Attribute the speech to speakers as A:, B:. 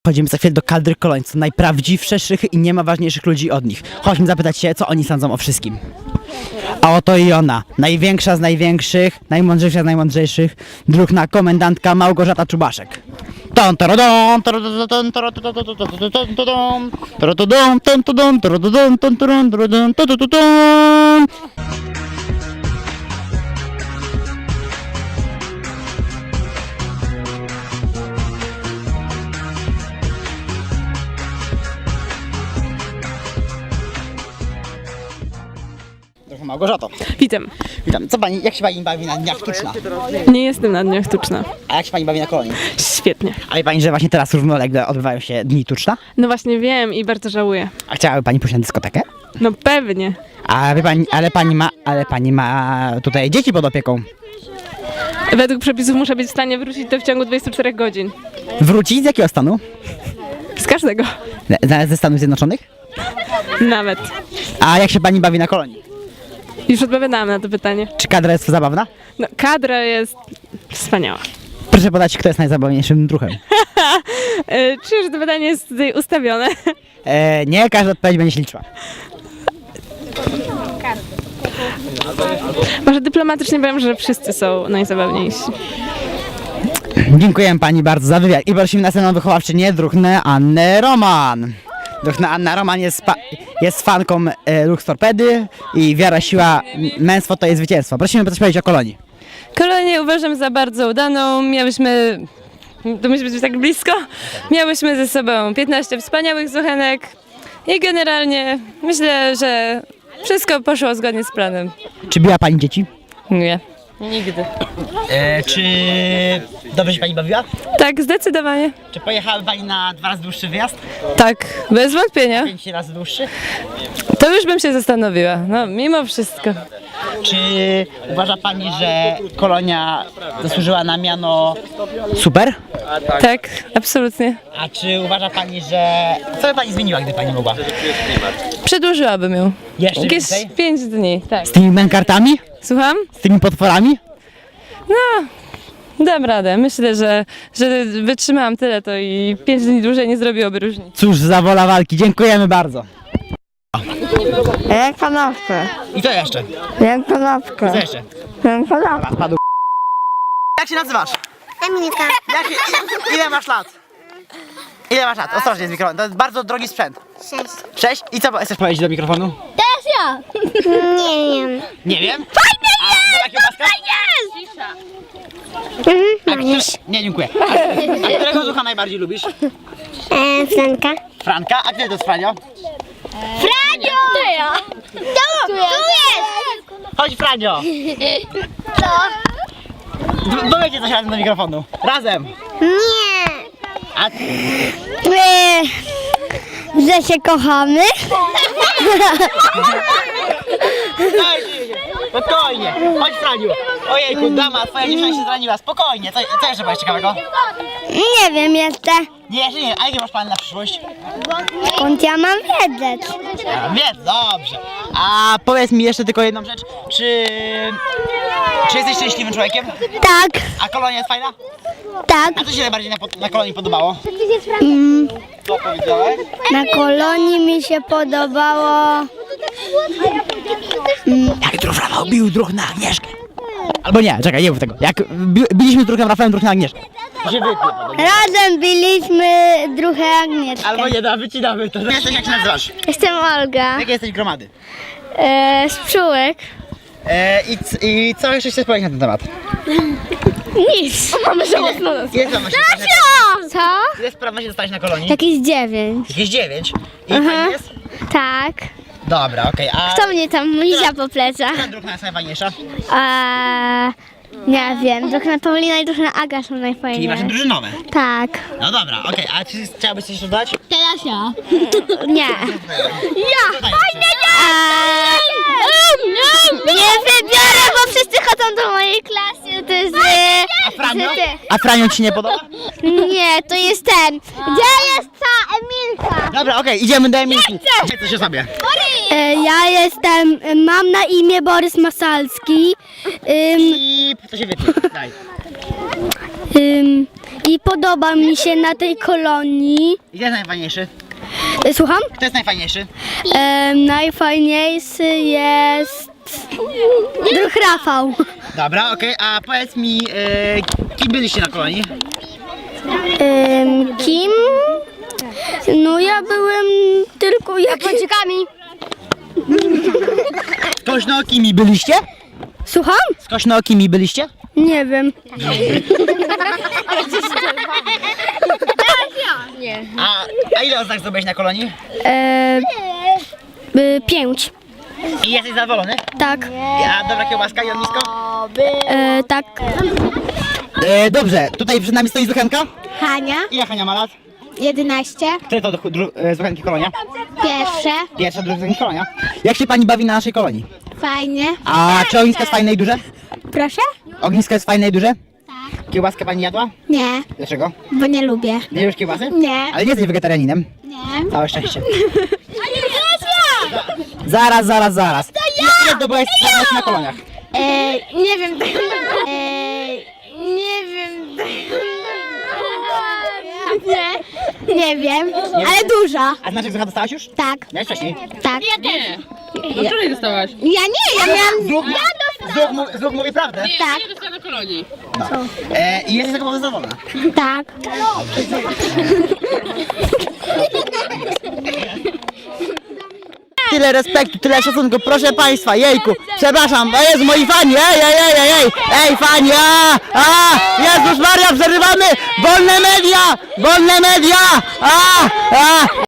A: Chodzimy za chwilę do kadry Kolońców, najprawdziwszych i nie ma ważniejszych ludzi od nich. Chodźmy zapytać się, co oni sądzą o wszystkim. A oto i ona, największa z największych, najmądrzejsza z najmądrzejszych, druhna komendantka Małgorzata Czubaszek. Małgorzato.
B: Witam.
A: Witam. Co pani, jak się pani bawi na Dniach Tuczna?
B: Nie jestem na Dniach Tuczna.
A: A jak się pani bawi na Kolonii?
B: Świetnie.
A: A wie pani, że właśnie teraz równolegle odbywają się Dni Tuczna?
B: No właśnie wiem i bardzo żałuję.
A: A chciałaby pani pójść na dyskotekę?
B: No pewnie.
A: A wie pani, ale pani ma tutaj dzieci pod opieką.
B: Według przepisów muszę być w stanie wrócić to w ciągu 24 godzin.
A: Wrócić z jakiego stanu?
B: Z każdego.
A: Ze Stanów Zjednoczonych?
B: Nawet.
A: A jak się pani bawi na Kolonii?
B: Już odpowiadałam na to pytanie.
A: Czy kadra jest zabawna?
B: No, kadra jest wspaniała.
A: Proszę podać, kto jest najzabawniejszym druhem.
B: Czyż to pytanie jest tutaj ustawione?
A: Nie, każda odpowiedź będzie się liczyła.
B: Może dyplomatycznie powiem, że wszyscy są najzabawniejsi.
A: Dziękuję pani bardzo za wywiad. I prosimy następną wychowawczynię, druhnę Annę Roman. Druhna Anna Roman jest fanką Lux Torpedy i wiara, siła, męstwo to jest zwycięstwo. Prosimy coś powiedzieć o Kolonii.
C: Kolonię uważam za bardzo udaną. To musi być tak blisko. Miałyśmy ze sobą 15 wspaniałych zuchenek i generalnie myślę, że wszystko poszło zgodnie z planem.
A: Czy biła pani dzieci?
C: Nie. Nigdy.
A: Czy dobrze się pani bawiła?
C: Tak, zdecydowanie.
A: Czy pojechałaby pani na 2 razy dłuższy wyjazd?
C: Tak, bez wątpienia.
A: 5 razy dłuższy?
C: To już bym się zastanowiła. No, mimo wszystko.
A: Czy uważa pani, że Kolonia zasłużyła na miano super?
C: Tak, absolutnie.
A: A czy uważa pani, że... Co by pani zmieniła, gdy pani mogła?
C: Przedłużyłabym ją.
A: Jeszcze
C: Jakieś
A: więcej?
C: 5 dni, tak.
A: Z tymi mękartami?
C: Słucham?
A: Z tymi potworami?
C: No, dam radę. Myślę, że wytrzymałam tyle, to i 5 dni dłużej nie zrobiłoby różnicy.
A: Cóż za wola walki, dziękujemy bardzo.
D: Jak kanapkę.
A: I co jeszcze?
D: Jak kanapkę.
A: Co jeszcze?
D: Jak kanapkę.
A: Spadł. Jak się nazywasz?
D: Emilka.
A: Ile masz lat? Ile masz lat? Ostrożnie z mikrofonem, to jest bardzo drogi sprzęt.
D: 6.
A: 6? I co chcesz powiedzieć do mikrofonu?
D: Teraz ja. Nie wiem.
A: Nie wiem. Fajnie jest! Fajnie jest! Nie, dziękuję. A którego ducha najbardziej lubisz?
D: Franka.
A: Franka? A gdzie to jest Franio?
D: Franio! To ja. Tu jest.
A: Chodź Franio!
D: Co?
A: Powiedzcie coś razem do mikrofonu. Razem!
D: Nie.
A: A
D: Że się kochamy?
A: spokojnie! Chodź Franiu! Ojejku, dama, twoja dziewczyna się zraniła. Spokojnie, co jeszcze masz ciekawego?
D: Nie wiem jeszcze.
A: Nie, jeszcze nie. A jakie masz plany na przyszłość?
D: Skąd ja mam wiedzieć?
A: Więc dobrze. A powiedz mi jeszcze tylko jedną rzecz. Czy jesteś szczęśliwym człowiekiem?
D: Tak.
A: A Kolonia jest fajna?
D: Tak.
A: A co się najbardziej na Kolonii podobało? Co powiedziałeś?
D: Na Kolonii mi się podobało.
A: Jak druh Rafał bił druh na Agnieszkę. Albo nie, czekaj, nie mów tego. Jak biliśmy z druhem Rafałem druh na Agnieszkę. To się wytnie potem.
D: Razem byliśmy druhę Agnieszkę.
A: Albo nie, wycinamy to. Jesteś, jak się nazywasz?
D: Jestem Olga.
A: Jakie jesteś gromady?
D: Z Pszczółek.
A: I co jeszcze chcesz powiedzieć na ten temat?
D: Nic. Mamy żałosną nazwę.
A: Ile spraw się
D: Co?
A: Ile spraw się dostać na Kolonii?
D: Jakieś 9.
A: Jakieś 9. I fajnie jest?
D: Tak.
A: Dobra, okej. A
D: Kto mnie tam lizia po plecach?
A: która druhna jest najfajniejsza?
D: Nie wiem. Druhna Paulina i druhna Aga są
A: Czyli
D: najfajniejsze.
A: wasze drużynowe.
D: Tak.
A: No dobra, okej. A czy chciałabyś coś dodać?
D: Teraz ja. Nie.
A: Fajnie,
D: Nie wybiorę, bo wszyscy chodzą do mojej klasy. To jest...
A: A Franio? A Franio ci nie podoba?
D: Nie, to jest ten. Gdzie jest ta Emilka?
A: Dobra, okej, idziemy do Emilki. Powiedz coś o sobie.
D: Ja jestem, mam na imię Borys Masalski.
A: I to się wytnie. Daj.
D: i podoba mi się na tej kolonii.
A: I kto jest najfajniejszy?
D: Słucham?
A: Kto jest najfajniejszy?
D: Najfajniejszy jest druh Rafał.
A: Dobra, okej, a powiedz mi, kim byliście na kolonii?
D: Kim? No ja byłem tylko Japończykami.
A: Skośnookimi byliście?
D: Słucham?
A: Skośnookimi byliście?
D: Nie wiem.
A: A ile oznak zdobyłeś na kolonii?
D: 5.
A: I jesteś zadowolony?
D: Tak.
A: A dobra kiełbaska i ognisko?
D: Tak.
A: Dobrze, tutaj przed nami stoi Zuchenka.
D: Hania,
A: Ile Hania ma lat?
D: 11.
A: Które to Zuchenki kolonia?
D: Pierwsze.
A: Pierwsza, druga Zuchenki kolonia. Jak się pani bawi na naszej kolonii?
D: Fajnie.
A: A czy ognisko jest fajne i duże?
D: Proszę?
A: Ognisko jest fajne i duże? Kiełbaskę pani jadła?
D: Nie,
A: Dlaczego?
D: bo nie lubię.
A: Nie lubisz kiełbasy?
D: Nie.
A: Ale nie jesteś wegetarianinem.
D: Nie.
A: Całe szczęście. Zaraz. Ile zdobyłeś na koloniach?
D: Nie wiem. Nie wiem. Nie wiem, ale duża.
A: A znaczek Zucha dostałaś już?
D: Tak,
A: Miałeś wcześniej?
D: tak.
B: Nie. No wczoraj dostałaś.
D: Ja nie, ja miałam...
A: Zuch mówi prawdę.
D: Tak,
B: Nie dostała na kolonii.
A: I jesteś taką zadowolona.
D: tak.
A: Tyle respektu, tyle szacunku, proszę państwa, jejku, przepraszam, to jest moi fani, ej, fani, Jezus Maria, przerywamy, wolne media,